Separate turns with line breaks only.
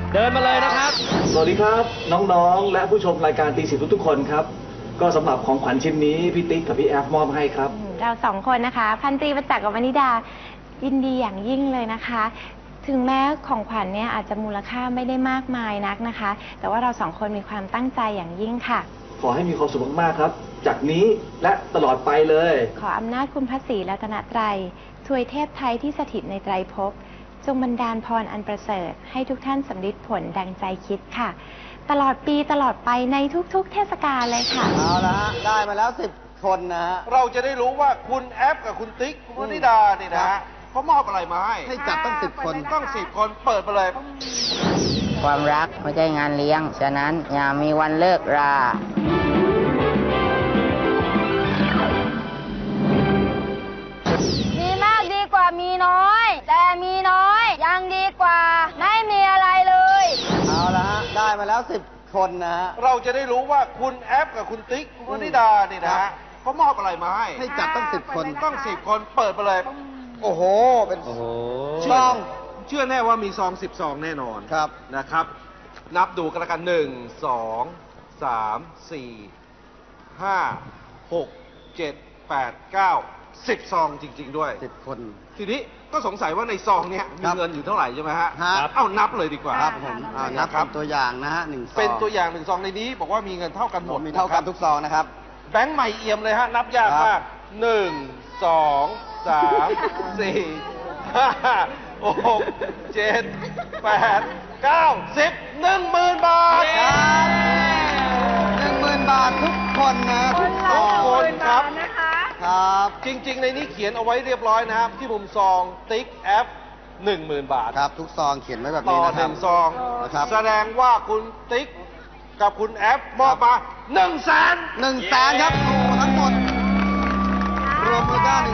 เดินมาเลยนะครับ
สวัสดีครับน้องๆและผู้ชมรายการตีสิบทุกคนครับก็สำหรับของขวัญชิ้นนี้พี่ติ๊กกับพี่แอฟมอบให้ครับ
เราสองคนนะคะพันตรีประจักษ์กับวนิดายินดีอย่างยิ่งเลยนะคะ ถึงแม้ของขวัญเนี่ยอาจจะมูลค่าไม่ได้มากมายนักนะคะ แต่ว่าเราสองคนมีความตั้งใจอย่างยิ่งค่ะ
ขอให้มีความสุขมากๆครับจากนี้และตลอดไปเลย
ขออำนาจคุณพระศรีรัตนตรัยทวยเทพไทยที่สถิตในไตรภพจงบันดาลพรอันประเสริฐให้ทุกท่านสำลิดผลดังใจคิดค่ะตลอดปีตลอดไปในทุกๆเทศกาลเลยค่ะ
เอาละฮะได้มาแล้ว10 คนนะฮะ
เราจะได้รู้ว่าคุณแอฟกับคุณติ๊กคุณวนิดานี่นะฮะเขามอบอะไรมาให้
จัดต้อง10 คน
ต้อง10 คนเปิดไปเลย
ความรักไม่ใช่งานเลี้ยง ฉะนั้นอย่ามีวันเลิกรา
มีมากดีกว่ามีน้อย แต่มีน้อยยังดีกว่าไม่มีอะไรเลย
เอาละฮะได้มาแล้ว10 คนนะฮะ
เราจะได้รู้ว่าคุณแอฟกับคุณติ๊กคุณวนิดานี่นะฮะเขามอบอะไรมาให้
จัดต้อง10 คน
ต้อง10 คนเปิดไปเลย
โอ้โหเป็น
ซองเชื่อแน่ว่ามีซอง10 ซองแน่นอน
ครับ
นะครับนับดูกันละกัน1 2 3 4 5 6 7 8 9 10 ซองจริง ๆด้วย
10 คน
ทีนี้ก็สงสัยว่าในซองเนี้ยมีเงินอยู่เท่าไหร่ใช่ไหมฮะ
ครับ
เอ้านับเลยดีกว่า
ครับผมนับเป็นตัวอย่างนะฮะ1 ซอง
เป็นตัวอย่าง1 ซองในนี้บอกว่ามีเงินเท่ากันหมด
มีเท่ากันทุกซองนะครับ
แบงค์ใหม่เอี่ยมเลยฮะนับยากมาก1 2 3 4 5 6 7 8 9 10 10,000 บาท
10,000 บาททุกคนนะทุกซอง
ครับ
ครับ
จริงๆในนี้เขียนเอาไว้เรียบร้อยนะครับที่มุมซองติ๊กแอฟ10,000 บาท
ครับทุกซองเขียนไว้แบบ
ต่
นี้
อ
นะครับ
1 ซอง
นะครับ
แสดงว่าคุณติ๊กกับคุณแอฟมอบมา100,000
100,000 ครับโอ้ทั้งหมดรวมมูลค่า